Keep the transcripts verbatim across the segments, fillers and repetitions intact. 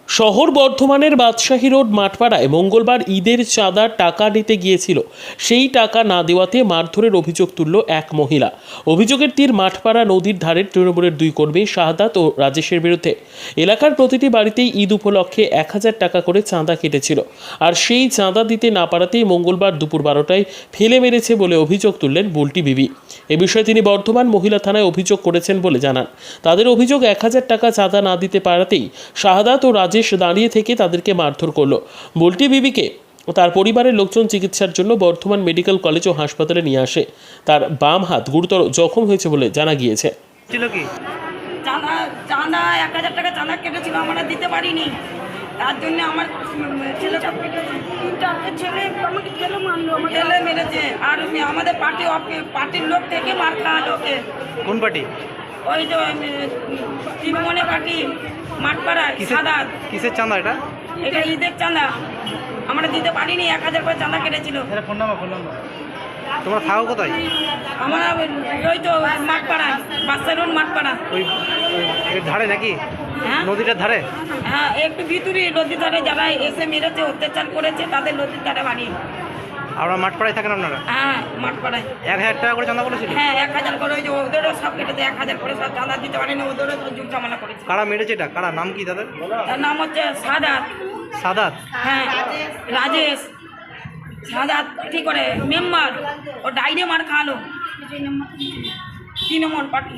শহর বর্ধমানের বাদশাহী রোড মাঠপাড়ায় মঙ্গলবার ঈদের চাঁদার টাকা নিতে গিয়েছিল। সেই টাকা না দেওয়াতে মারধরের অভিযোগ তুলল এক মহিলা। অভিযোগের তীর মাঠপাড়া নদীর ধারের তৃণমূলের দুই কর্মী শাহাদাত ও রাজেশের বিরুদ্ধে। এলাকার প্রতিটি বাড়িতেই ঈদ উপলক্ষে এক হাজার টাকা করে চাঁদা কেটেছিল, আর সেই চাঁদা দিতে না পারাতেই মঙ্গলবার দুপুর বারোটায় ফেলে মেরেছে বলে অভিযোগ তুললেন বুলটি বিবি। এ বিষয়ে তিনি বর্ধমান মহিলা থানায় অভিযোগ করেছেন বলে জানান। তাদের অভিযোগ, এক হাজার টাকা চাঁদা না দিতে পারাতেই শাহাদাত ও রাজেশ দাঁড়িয়ে থেকে তাদেরকে মারধর করল। বুলটি বিবিকে তার পরিবারের লোকজন চিকিৎসার জন্য বর্ধমান মেডিকেল কলেজ ও হাসপাতালে নিয়ে আসে। তার বাম হাত গুরুতর জখম হয়েছে বলে জানা গিয়েছে। ছিল কি চাঁদা চাঁদা এক হাজার টাকা চাঁদা কেটেছিল, আমরা দিতে পারিনি। তার জন্য আমার ছেলে চারটে ছেলে আমাকে ছেলে মারলো, ছেলে মেরেছে। আর আমাদের পার্টি পার্টির লোক থেকে মার খাওয়ালো। ওকে কোন পার্টি? ওই যে তৃণমূলের পার্টি মাঠপাড়ায়। সাদাত কিসের চাঁদা এটা? এটা ঈদের চাঁদা, আমরা দিতে পারিনি। এক হাজার করে চাঁদা কেটেছিল। ফোন নাম্বার ফোন নাম্বার তোমরা থাকো কোথায়? আমরা ওই তো মাঠপাড়া, বাদশাহী রোড মাঠপাড়া। ওই ওই ধারে নাকি? হ্যাঁ নদীটার ধারে? হ্যাঁ, একটু ভিতরে নদীর ধারে যারা এসে মেরেছে, অত্যাচার করেছে, তাদের নদীর ধারে বাড়ি। আপনারা মাঠপাড়ায় থাকেন আপনারা? হ্যাঁ, মাঠপাড়ায়। এক হাজার টাকা করে চাঁদা করেছিল? হ্যাঁ, এক হাজার করে। ওই যে ওদেরও সব কেটেছে, এক হাজার করে সব চাঁদা দিতে পারেনি, ওদেরও যুগ ঝামেলা করেছে। কারা মেরেছে এটা? কারা? নাম কি তাদের? তার নাম হচ্ছে সাদাত। সাদাত? হ্যাঁ, রাজেশ। সাদাত কি করে মেম্বার, ও ডাইরে মার খাওয়ালো। তিন নম্বর পার্টি।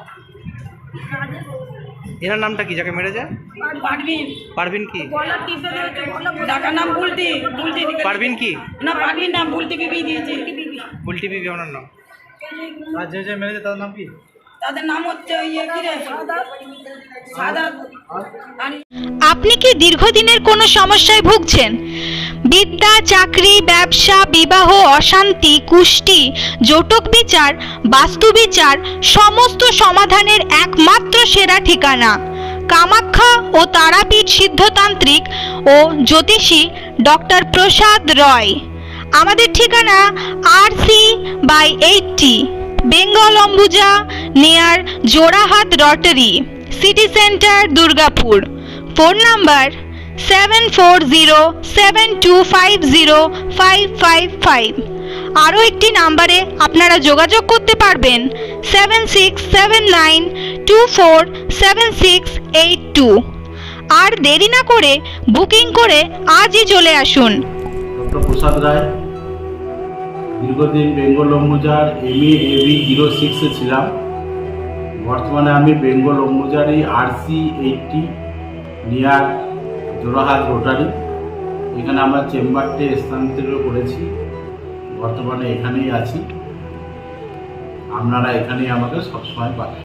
এনার নামটা কি যাকে মেরেছে? পারভিন। পারভিন কি? ডাকার নাম বুলটি। বুলটি পারভিন কি না, পারভিন নাম, বুলটি বিবি দিয়েছে। বুলটি বিবি ওনার নাম। আর যে যে মেরেছে তার নাম কি? তাদের নাম হচ্ছে ইয়ে কি রে, সাদাত। আপনি কি দীর্ঘদিনের কোনো সমস্যায় ভুগছেন? বিদ্যা, চাকরি, ব্যবসা, বিবাহ, অশান্তি, কুষ্টি, জটক বিচার, বাস্তু বিচার, সমস্ত সমাধানের একমাত্র সেরা ঠিকানা কামাখ্যা ও তারাপীঠ সিদ্ধতান্ত্রিক ও জ্যোতিষী ডক্টর প্রসাদ রয়। আমাদের ঠিকানা R C by eighty, Bengal Ambuja, near Jorahat rotary, city centre, Durgapur. Phone number seven four zero seven two five zero five five five. আরও একটি নাম্বারে আপনারা যোগাযোগ করতে পারবেন seven six seven nine two four seven six eight two. আর দেরি না করে বুকিং করে আজই চলে আসুন। ডক্টর প্রসাদ রায়, দীর্ঘদিন বেঙ্গল অম্বুজার এম এ এবি জিরো সিক্সে ছিলাম। বর্তমানে আমি বেঙ্গল অম্বুজারই R C eighty, near Jorahat rotary, এখানে আমরা চেম্বারটি স্থানান্তরিত করেছি। বর্তমানে এখানেই আছি, আপনারা এখানেই আমাকে সবসময় পাবেন।